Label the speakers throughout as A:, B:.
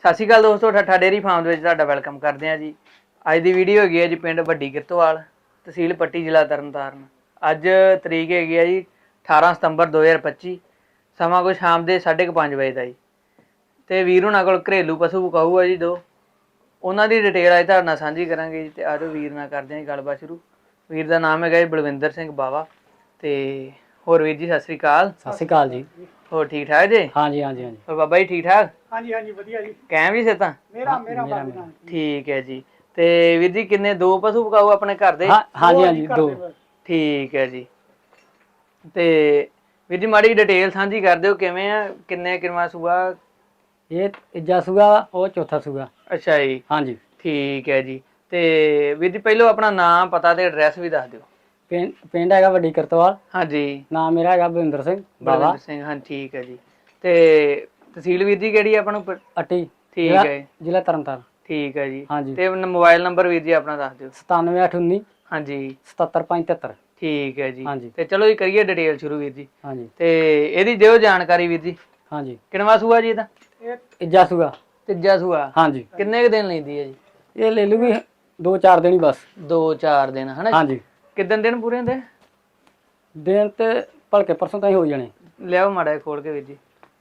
A: ਸਤਿ ਸ਼੍ਰੀ ਅਕਾਲ ਦੋਸਤੋ, ਠੱਠਾ dairy farm ਦੇ ਵਿੱਚ ਤੁਹਾਡਾ ਵੈਲਕਮ ਕਰਦੇ ਹਾਂ ਜੀ। ਅੱਜ ਦੀ ਵੀਡੀਓ ਹੈਗੀ ਹੈ ਜੀ ਪਿੰਡ ਵੱਡੀ ਕਿਰਤੋਵਾਲ, ਤਹਿਸੀਲ ਪੱਟੀ, ਜ਼ਿਲ੍ਹਾ ਤਰਨਤਾਰਨ। ਅੱਜ ਤਰੀਕ ਹੈਗੀ ਹੈ ਜੀ 18 ਸਤੰਬਰ 2025, ਸਮਾਂ ਕੋਈ ਸ਼ਾਮ ਦੇ 5:30 ਵਜੇ ਦਾ ਜੀ। ਤੇ ਵੀਰ ਹੁਣਾਂ ਕੋਲ ਘਰੇਲੂ ਪਸ਼ੂ ਵਿਕਾਊ ਆ ਜੀ ਦੋ, ਉਹਨਾਂ ਦੀ ਡਿਟੇਲ ਅੱਜ ਤੁਹਾਡੇ ਨਾਲ ਸਾਂਝੀ ਕਰਾਂਗੇ ਜੀ। ਤੇ ਆਜੋ ਵੀਰ ਨਾਲ ਕਰਦੇ ਹਾਂ ਜੀ ਗੱਲਬਾਤ ਸ਼ੁਰੂ। ਵੀਰ ਦਾ ਨਾਮ ਹੈਗਾ ਜੀ ਬਲਵਿੰਦਰ ਸਿੰਘ ਬਾਵਾ। ਤੇ ਹੋਰ ਵੀਰ ਜੀ ਸਤਿ ਸ਼੍ਰੀ ਅਕਾਲ।
B: ਸਤਿ ਸ਼੍ਰੀ ਅਕਾਲ ਜੀ।
A: ਹੋਰ ਠੀਕ ਠਾਕ ਜੀ?
B: ਹਾਂਜੀ ਹਾਂਜੀ ਹਾਂਜੀ।
A: ਹੋਰ ਬਾਬਾ ਜੀ ਠੀਕ ਠਾਕ?
B: ਹਾਂਜੀ ਹਾਂਜੀ ਵਧੀਆ ਜੀ।
A: ਕੈਮ ਵੀ ਸੇ ਤਾਂ
B: ਮੇਰਾ
A: ਠੀਕ ਹੈ ਜੀ। ਤੇ ਵੀਰ ਜੀ ਕਿੰਨੇ ਦੋ ਪਸ਼ੂ ਵਿਕਾਊ ਆਪਣੇ ਘਰ ਦੇ?
B: ਹਾਂਜੀ ਹਾਂਜੀ ਦੋ।
A: ਠੀਕ ਹੈ ਜੀ। ਤੇ ਵੀਰ ਜੀ ਮਾੜੀ ਡਿਟੇਲ ਸਾਂਝੀ ਕਰ ਦਿਓ, ਕਿਵੇਂ ਆ, ਕਿੰਨੇ ਕਿਨਵਾ ਸੂਆ?
B: ਇਹ ਤੀਜਾ ਸੂਆ, ਉਹ ਚੌਥਾ ਸੂਆ।
A: ਅੱਛਾ ਜੀ। ਹਾਂਜੀ ਠੀਕ ਹੈ ਜੀ। ਤੇ ਵੀਰ ਜੀ ਪਹਿਲੋਂ ਆਪਣਾ ਨਾਮ, ਪਤਾ ਤੇ ਐਡਰੈਸ ਵੀ ਦੱਸ ਦਿਓ।
B: ਪਿੰਡ ਹੈਗਾ ਵੱਡੀ ਕਿਰਤੋਵਾਲ।
A: ਹਾਂਜੀ।
B: ਨਾਮ ਮੇਰਾ ਹੈਗਾ ਬਲਵਿੰਦਰ ਸਿੰਘ ਬਾਵਾ।
A: ਬਲਵਿੰਦਰ ਸਿੰਘ, ਹਾਂ ਠੀਕ ਹੈ ਜੀ। ਤੇ ਤਹਿਸੀਲ ਵੀਰ ਜੀ ਕਿਹੜੀ ਆਪਾਂ ਨੂੰ?
B: ਅੱਟੀ।
A: ਠੀਕ ਹੈ,
B: ਜ਼ਿਲ੍ਹਾ ਤਰਨਤਾਰਨ।
A: ਠੀਕ ਹੈ ਜੀ।
B: ਹਾਂਜੀ।
A: ਤੇ ਮੋਬਾਈਲ ਨੰਬਰ ਵੀਰ ਜੀ ਆਪਣਾ ਦੱਸ ਦਿਓ।
B: 97819
A: ਹਾਂਜੀ
B: 77573।
A: ਠੀਕ ਹੈ ਜੀ।
B: ਹਾਂਜੀ।
A: ਤੇ ਚਲੋ ਜੀ ਕਰੀਏ ਡਿਟੇਲ ਸ਼ੁਰੂ ਵੀਰ ਜੀ।
B: ਹਾਂਜੀ।
A: ਤੇ ਇਹਦੀ ਦਿਓ ਜਾਣਕਾਰੀ ਵੀਰ ਜੀ।
B: ਹਾਂਜੀ।
A: ਕਿਨਵਾ ਸੂਆ ਜੀ ਇਹਦਾ?
B: ਇਹ ਤੀਜਾ ਸੂਆ।
A: ਤੀਜਾ ਸੂਆ।
B: ਹਾਂਜੀ।
A: ਕਿੰਨੇ ਕੁ ਦਿਨ ਲੈਂਦੀ ਹੈ ਜੀ?
B: ਇਹ ਲੈ ਲੂਗੀ 2-4 ਦਿਨ ਹੀ ਬਸ।
A: 2-4 ਦਿਨ ਹਨਾ?
B: ਹਾਂਜੀ।
A: ਕਿੱਦਣ ਦਿਨ ਪੂਰੇ ਹੁੰਦੇ?
B: ਦਿਨ ਤੇ ਭਲਕੇ ਪਰਸੋਂ ਤਾਂ ਹੀ ਹੋ ਜਾਣੇ।
A: ਲਿਆਓ ਮਾੜਾ ਖੋਲ ਕੇ ਵੀਰ ਜੀ।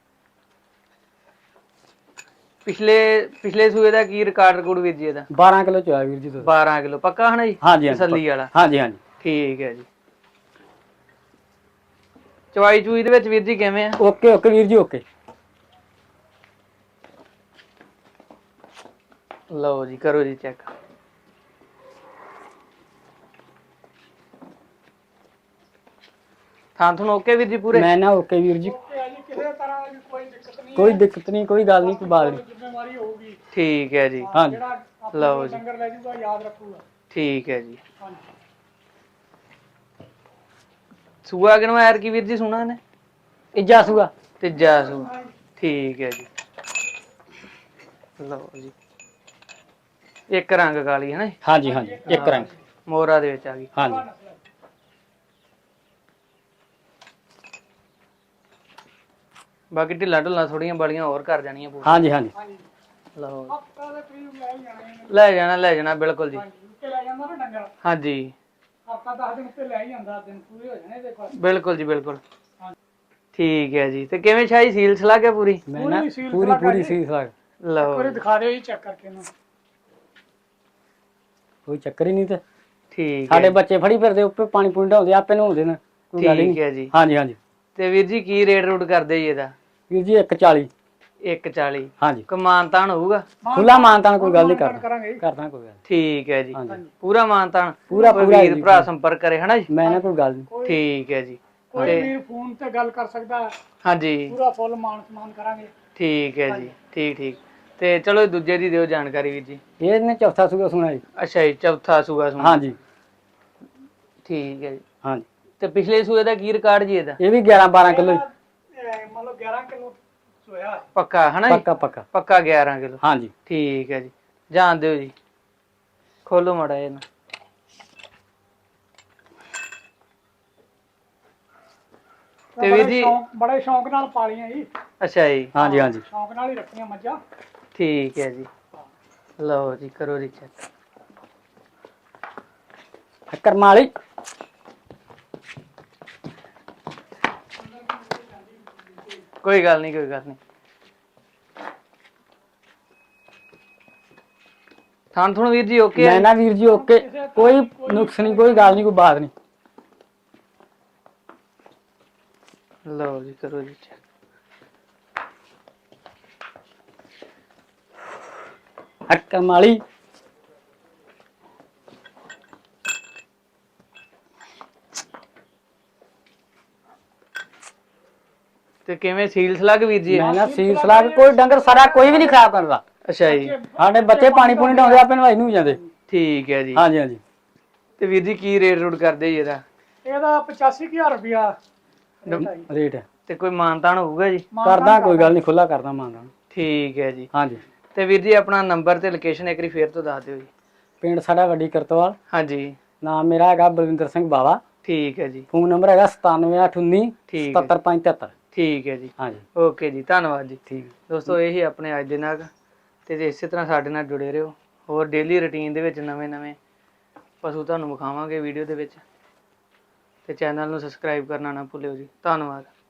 A: ਪਿਛਲੇ ਸੂਏ ਦਾ ਕੀ ਰਿਕਾਰਡ ਵੀਰ ਜੀ ਇਹਦਾ?
B: 12 ਕਿਲੋ ਚੋਇਆ ਵੀਰ ਜੀ।
A: 12 ਕਿਲੋ ਪੱਕਾ ਹਨਾ ਜੀ?
B: ਹਾਂਜੀ
A: ਤਸੱਲੀ ਵਾਲਾ।
B: ਹਾਂਜੀ ਹਾਂਜੀ।
A: ਠੀਕ ਹੈ ਜੀ। ਚਵਾਈ ਚੂਈ ਦੇ ਵਿੱਚ ਵੀਰ ਜੀ ਕਿਵੇਂ ਆ?
B: ਓਕੇ ਓਕੇ ਵੀਰ ਜੀ ਓਕੇ।
A: ਲਓ ਜੀ ਕਰੋ ਜੀ ਚੈੱਕ। ਥਾਂ ਤੁਹਾਨੂੰ ਓਕੇ ਵੀਰ ਜੀ ਪੂਰੇ?
B: ਮੈਂ ਨਾ ਓਕੇ ਵੀਰ ਜੀ। ਕੋਈ ਦਿੱਕਤ ਨਹੀਂ, ਕੋਈ ਗੱਲ ਨਹੀਂ, ਕੋਈ ਬਾਤ ਨਹੀਂ। ਜ਼ਿੰਮੇਵਾਰੀ ਹੋਊਗੀ।
A: ਠੀਕ ਹੈ ਜੀ।
B: ਹਾਂਜੀ।
A: ਲਓ ਜੀ।
B: ਡੰਗਰ ਲੈ ਜੂਗਾ ਯਾਦ ਰੱਖੂਗਾ।
A: ਠੀਕ ਹੈ ਜੀ। ਸੂਆ ਕਿਨੋਂ ਐਰ ਕੀ ਵੀਰ ਜੀ ਸੁਣਾ ਇਹਨੇ?
B: ਤੀਜਾ ਸੂਆ।
A: ਤੀਜਾ ਸੂਆ। ਠੀਕ ਹੈ ਜੀ। ਲਓ ਜੀ। ਇੱਕ ਰੰਗ ਕਾਲੀ ਹੈ ਨਾ?
B: ਹਾਂਜੀ ਹਾਂਜੀ ਇੱਕ ਰੰਗ
A: ਮੋਹਰਾ ਦੇ ਵਿੱਚ ਆ ਗਈ।
B: ਹਾਂਜੀ।
A: ਬਾਕੀ ਢਿੱਲਾ ਢੁੱਲਾ ਥੋੜੀਆਂ ਬਾਲੀਆਂ ਹੋਰ ਕਰ ਜਾਣੀਆਂ ਪੂਰੀ।
B: ਹਾਂਜੀ ਹਾਂਜੀ।
A: ਲਓ ਲੈ ਜਾਣਾ ਬਿਲਕੁਲ ਜੀ। ਹਾਂਜੀ
B: ਹਫਤਾ 10 ਦਿਨ ਉੱਤੇ ਲੈ ਹੀ ਜਾਂਦਾ, ਦਿਨ ਪੂਰੇ ਹੋ ਜਾਣੇ ਦੇਖੋ।
A: ਬਿਲਕੁਲ ਜੀ ਬਿਲਕੁਲ। ਠੀਕ ਹੈ ਜੀ। ਤੇ ਕਿਵੇਂ ਸ਼ਾਹੀ ਸੀਲ ਸਲਾ ਕੇ ਪੂਰੀ?
B: ਪੂਰੀ ਸੀਲ ਸਲਾਹ।
A: ਲਓ
B: ਇੱਕ ਦਿਖਾ ਦਿਓ ਜੀ ਚੈੱਕ ਕਰਕੇ ਇਹਨੂੰ। ਕੋਈ ਚੱਕਰ ਹੀ ਨਹੀਂ। ਤੇ
A: ਠੀਕ
B: ਸਾਡੇ ਬੱਚੇ ਫੜੀ ਫਿਰਦੇ ਉੱਪਰ ਪਾਣੀ ਪੂਣੀ ਢਾਉਂਦੇ, ਆਪੇ ਨਹਾਉਂਦੇ ਨੇ।
A: ਠੀਕ ਹੈ ਜੀ।
B: ਹਾਂਜੀ ਹਾਂਜੀ।
A: ਤੇ ਵੀਰ ਜੀ ਕੀ ਰੇਟ ਰੂਟ ਕਰਦੇ ਜੀ ਇਹਦਾ?
B: ਵੀਰ ਜੀ 140।
A: 140।
B: ਹਾਂਜੀ।
A: ਮਾਨਤਾਨ ਹੋਊਗਾ?
B: ਖੁੱਲਾ ਮਾਨਤਾਨ, ਕੋਈ ਗੱਲ ਨਹੀਂ ਕਰਦਾ ਕੋਈ ਗੱਲ।
A: ਠੀਕ ਹੈ ਜੀ।
B: ਹਾਂਜੀ।
A: ਪੂਰਾ ਮਾਨਤਾਨ।
B: ਪੂਰਾ
A: ਵੀਰ ਭਰਾ ਸੰਪਰਕ ਕਰੇ ਹਨਾ ਜੀ?
B: ਮੈਂ ਨਾ ਕੋਈ ਗੱਲ ਨਹੀਂ।
A: ਠੀਕ ਹੈ ਜੀ।
B: ਕੋਈ ਵੀਰ ਫੋਨ ਤੇ ਗੱਲ ਕਰ ਸਕਦਾ।
A: ਹਾਂਜੀ
B: ਪੂਰਾ ਫੁੱਲ ਮਾਨ ਕਰਾਂਗੇ। ਠੀਕ
A: ਹੈ ਜੀ। ਠੀਕ। ਤੇ ਚਲੋ ਦੂਜੇ ਦੀ ਦਿਓ ਜਾਣਕਾਰੀ ਵੀਰ ਜੀ।
B: ਇਹਨੇ ਚੌਥਾ ਸੂਆ ਸੁਣਾ ਜੀ।
A: ਅੱਛਾ ਜੀ, ਚੌਥਾ ਸੂਆ ਸੁਣਾ।
B: ਹਾਂਜੀ।
A: ਠੀਕ ਹੈ ਜੀ।
B: ਹਾਂਜੀ।
A: ਤੇ ਪਿਛਲੇ ਸੂਏ ਦਾ ਕੀ ਰਿਕਾਰਡ ਜੀ ਇਹਦਾ?
B: ਇਹ ਵੀ 11-12 ਕਿਲੋ। ਮਤਲਬ 11 ਕਿਲੋ ਸੋਇਆ
A: ਪੱਕਾ ਹਨਾ ਜੀ? ਪੱਕਾ 11 ਕਿਲੋ।
B: ਹਾਂਜੀ।
A: ਠੀਕ ਹੈ ਜੀ। ਜਾਣ ਦਿਓ ਜੀ। ਖੋਲੋ ਮਾੜਾ ਇਹਨੂੰ। ਤੇ ਵੀਰ ਜੀ
B: ਬੜੇ ਸ਼ੌਂਕ ਨਾਲ ਪਾਲੀਆਂ ਜੀ। ਅੱਛਾ ਜੀ। ਹਾਂਜੀ ਹਾਂਜੀ। ਸ਼ੌਂਕ ਨਾਲ ਹੀ ਰੱਖੀਆਂ ਮੱਝਾਂ।
A: ਠੀਕ ਹੈ ਜੀ। ਲਓ ਜੀ ਕਰੋ ਜੀ ਚੈੱਕ।
B: ਕਰਮਾਂ ਵਾਲੀ।
A: ਕੋਈ ਗੱਲ ਨਹੀਂ। ਥਾਣ ਵੀਰ ਜੀ ਓਕੇ?
B: ਮੈਂ ਨਾ ਵੀਰ ਜੀ ਓਕੇ, ਕੋਈ ਨੁਕਸ ਨਹੀਂ, ਕੋਈ ਗੱਲ ਨਹੀਂ, ਕੋਈ ਬਾਤ ਨਹੀਂ।
A: ਲਓ ਜੀ ਕਰੋ ਜੀ ਚੈੱਕ।
B: ਕਰਮਾਂ ਵਾਲੀ।
A: ਤੇ ਕਿਵੇਂ ਸੀਲ ਸਲੱਗ ਵੀਰ ਜੀ?
B: ਮੈਂ ਨਾ ਸੀਲ ਸਲਾਹ ਕੋਈ ਡੰਗਰ ਸਾਰਾ ਕੋਈ ਵੀ ਨਹੀਂ ਖਰਾਬ ਕਰਦਾ।
A: ਅੱਛਾ ਜੀ।
B: ਸਾਡੇ ਬੱਚੇ ਪਾਣੀ ਪੂਣੀ ਢਾਉਂਦੇ, ਆਪੇ ਨਵਾਈ ਨੂੰ ਜਾਂਦੇ।
A: ਠੀਕ ਹੈ ਜੀ।
B: ਹਾਂਜੀ ਹਾਂਜੀ।
A: ਤੇ ਵੀਰ ਜੀ ਕੀ ਰੇਟ ਰੂਟ ਕਰਦੇ ਜੀ ਇਹਦਾ?
B: ਇਹਦਾ 85000 ਰੁਪਇਆ ਰੇਟ ਹੈ।
A: ਤੇ ਕੋਈ ਮਾਨਤਾਨ ਹੋਊਗਾ ਜੀ?
B: ਕਰਦਾ, ਕੋਈ ਗੱਲ ਨਹੀਂ, ਖੁੱਲਾ ਕਰਦਾ ਮਾਨਤਾਨ।
A: ਠੀਕ ਹੈ ਜੀ।
B: ਹਾਂਜੀ।
A: ਤੇ ਵੀਰ ਜੀ ਆਪਣਾ ਨੰਬਰ ਤੇ ਲੋਕੇਸ਼ਨ ਇੱਕ ਵਾਰੀ ਫੇਰ ਤੋਂ ਦੱਸ ਦਿਓ ਜੀ।
B: ਪਿੰਡ ਸਾਡਾ ਵੱਡੀ ਕਿਰਤੋਵਾਲ।
A: ਹਾਂਜੀ।
B: ਨਾਮ ਮੇਰਾ ਹੈਗਾ ਬਲਵਿੰਦਰ ਸਿੰਘ ਬਾਵਾ।
A: ਠੀਕ ਹੈ ਜੀ।
B: ਫੋਨ ਨੰਬਰ ਹੈਗਾ 97819 77573।
A: ਠੀਕ ਹੈ ਜੀ।
B: ਹਾਂਜੀ।
A: ਓਕੇ ਜੀ, ਧੰਨਵਾਦ ਜੀ।
B: ਠੀਕ
A: ਦੋਸਤੋ ਇਹੀ ਆਪਣੇ ਅੱਜ ਦੇ ਨਾਲ ਤੇ ਇਸੇ ਤਰ੍ਹਾਂ ਸਾਡੇ ਨਾਲ ਜੁੜੇ ਰਹੋ। ਹੋਰ ਡੇਲੀ ਰੁਟੀਨ ਦੇ ਵਿੱਚ ਨਵੇਂ ਪਸ਼ੂ ਤੁਹਾਨੂੰ ਵਿਖਾਵਾਂਗੇ ਵੀਡੀਓ ਦੇ ਵਿੱਚ। ਤੇ ਚੈਨਲ ਨੂੰ ਸਬਸਕ੍ਰਾਈਬ ਕਰਨਾ ਨਾ ਭੁੱਲਿਓ ਜੀ। ਧੰਨਵਾਦ।